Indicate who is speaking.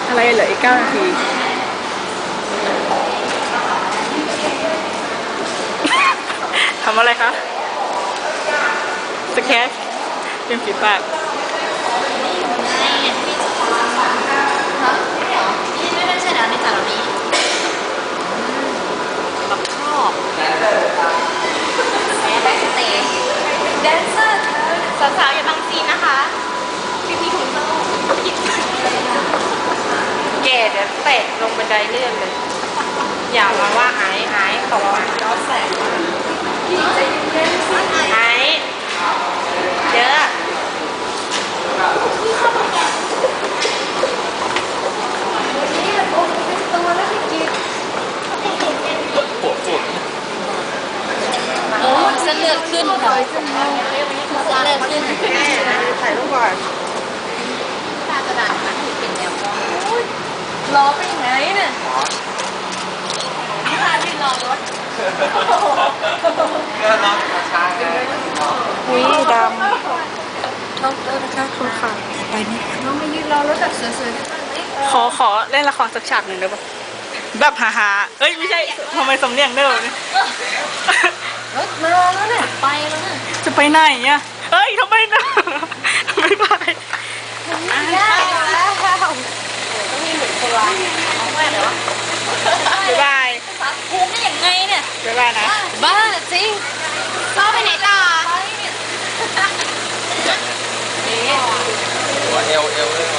Speaker 1: อะไรเหลืออีก9 นาที ทำอะไรคะสแคชเป็นฝีปาก
Speaker 2: นี่ไม่ใช่แล้วในจานนี้บักครอบแบ็กสเตจแดนเซอร์สาวๆอย่าบังซีนนะคะพี่ถุงเท้าแก่เดี๋ยวเตะลงบันไดเลื่อนเลยอย่ามาว่าหายขอย้อนแสงหายเยอะเส้นเลือดขึ้นค่ะเส้นเลือดขึ้น
Speaker 1: ถ่ายรูปก่อน
Speaker 2: ตากระดาษมันเป็นแนวมองล้อเป็นไงเนี่ยพาที่รอรถ
Speaker 1: ก็น้องช้าอุ้ยดำน้องนะคะคุณค่ะไปนี่
Speaker 2: น้องมายืนรอรถแบบสวย
Speaker 1: ๆขอเล่นละครสักฉากหนึ่งได้ปะแบบฮาๆเอ้ยไม่ใช่ทำไมสำเนียงเดิมเนี่ย
Speaker 2: รถมาแล้วเนี่ยไปแล้วเนี่ย
Speaker 1: จะไปไหนเนี่ยเอ้ยทำไมนะไม่ไป
Speaker 2: ได้แล้วต้องมีหมุนตัวเอาแม่เดี๋ยว
Speaker 1: บ๊ายบาย
Speaker 2: ภูมิได้ยังไงเนี่ย
Speaker 1: บ๊ายบายนะ
Speaker 2: บ้าจริงชอบไปไหนต่อ
Speaker 3: หัวเอวเลย